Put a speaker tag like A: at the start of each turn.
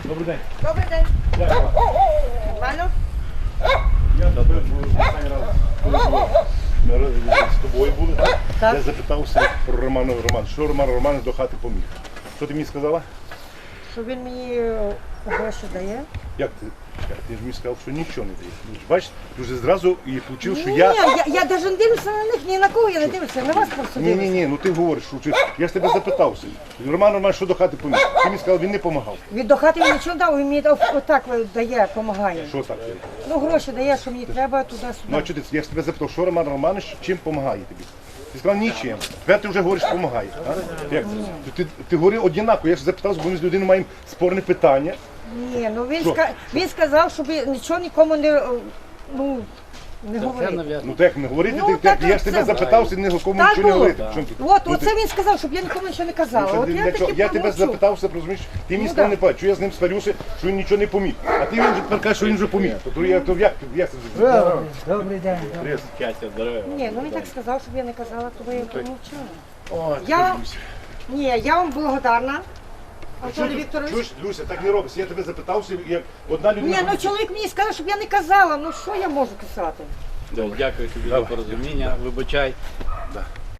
A: Добрий день.
B: Добрий день.
A: Дякую.
B: Нормально?
A: Я тебе останній раз, коли ми з тобою були,
B: Так.
A: я запитався про Романа Романа. Що Роман Романович до хати поміг? Що ти мені сказала?
B: Що він мені гроші дає?
A: Як ти? Ти ж мені сказав, що нічого не дає. Ну, бачиш, ти вже зразу і почув, що
B: Ні,
A: я...
B: я навіть не дивлюся на них, ні на кого я не дивлюся, на вас просто дивлюся.
A: Ні, ну ти говориш, що я ж тебе запитався. Роман Романович, що до хати поміг? Ти мені сказав, він не допомагав.
B: Від до хати він нічого дав, він мені отак дає, допомагає.
A: Що так?
B: Ну гроші дає, що мені треба
A: Ну,
B: туди-сюди.
A: а чого ти? Я ж тебе запитав, що Роман Романович чим допомагає тобі? Ти сказав нічим. Тепер ти вже говориш, що допомагає. А? Як це? Ти говорив однаково, я ж запитався, бо ми з людиною маємо спорне питання.
B: Ні, ну
A: Що?
B: він сказав, щоб нічого нікому не, ну, не говорити.
A: Ну так не говорити,
B: Ну, так,
A: я ж тебе
B: це-
A: запитався, нікому
B: Так
A: нічого не
B: було.
A: говорити. Чому ти?
B: От,
A: Ну,
B: оце він сказав, щоб я нікому нічого не казала.
A: Ну,
B: От
A: ти
B: я
A: для чого?
B: таки
A: Я тебе
B: промовчу.
A: запитався, розумієш, ти мені
B: Ну,
A: сказав
B: да.
A: не бачу, що я з ним сварюся, що він нічого не поміг. А ти він вже тепер кажеш, що він вже поміг. То як це вже?
B: Добрий день.
A: Трес.
B: Ні, ну він так сказав, щоб я не казала, тому я промовчала.
A: О,
B: Я-
A: Люся.
B: Ні, я вам благодарна, Анатолій Вікторович.
A: Чуєш, Люся, так не робиться. Я тебе запитався, як одна людина...
B: Ні, ну чоловік мені сказав, щоб я не казала, ну що я можу писати?
C: Дякую тобі за порозуміння, вибачай.
A: Да.